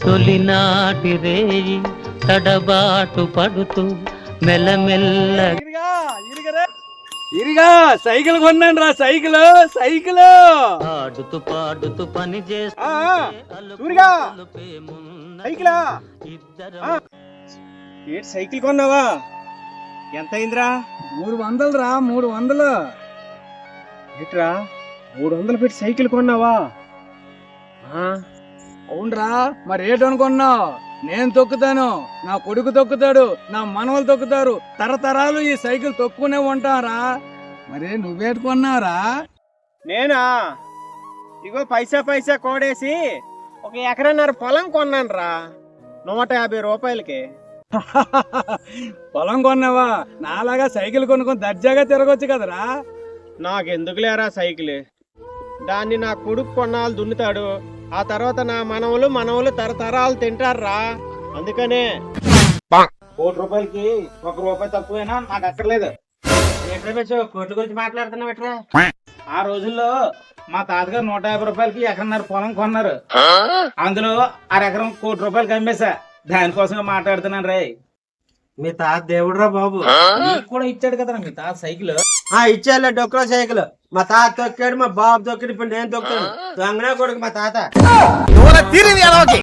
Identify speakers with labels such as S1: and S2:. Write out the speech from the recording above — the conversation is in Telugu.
S1: తొలినాటి రేయి తడబాటు పడుతూ మెల్లమెల్ల
S2: ఇరిగా సైకిల్ కొన్నాను రా, సైకిల్
S1: ఆడుతూ పాడుతూ పని
S2: సైకిల్ కొన్నావా? ఎంత అయిందిరా? 300 రా, 300. ఏట్రా 300 పెట్టి సైకిల్ కొన్నావా? అవునరా, మరి ఏటనుకున్నావు? నేను తొక్కుతాను, నా కొడుకు తొక్కుతాడు, నా మనవలు తొక్కుతారు, తరతరాలు ఈ సైకిల్ తొక్కునే ఉంటారా. మరి నువ్వేటుకున్నావురా? నేనా, ఇగో పైసా కోడేసి 1 ఎకరన్నర పొలం కొన్నాను రా, 150 రూపాయలకి. పొలం కొన్నావా? నాలాగా సైకిల్ కొనుక్కొని దర్జాగా తిరగొచ్చు కదరా. నాకెందుకు లేరా సైకిల్, దాన్ని నా కొడుకు కొన్నాళ్ళు దున్నుతాడు, ఆ తర్వాత నా మనవలు తరతరాలు తింటారా. అందుకనే 1 కోటి రూపాయలకి 1 రూపాయి తక్కువైనా నాకు అక్కర్లేదు. కోట్ల గురించి మాట్లాడుతున్నావు ఎట్రా? ఆ రోజుల్లో మా తాతగారు 150 రూపాయలకి ఎకరన్నర పొలం కొన్నారు, అందులో 1/2 ఎకరం 1 కోటి రూపాయలకి అమ్మేశా. దానికోసం మాట్లాడుతున్నాను రే. మీ తాత దేవుడురా బాబు, కూడా ఇచ్చాడు కదరా మీ తాత సైకిల్. ఇచ్చాలే డొక్కలో సైకిల్. మా తాత తొక్కాడు, మా బాబు తొక్కాడు, ఇప్పుడు నేను తొక్కాను. దొంగనే కొడుకు మా తాత.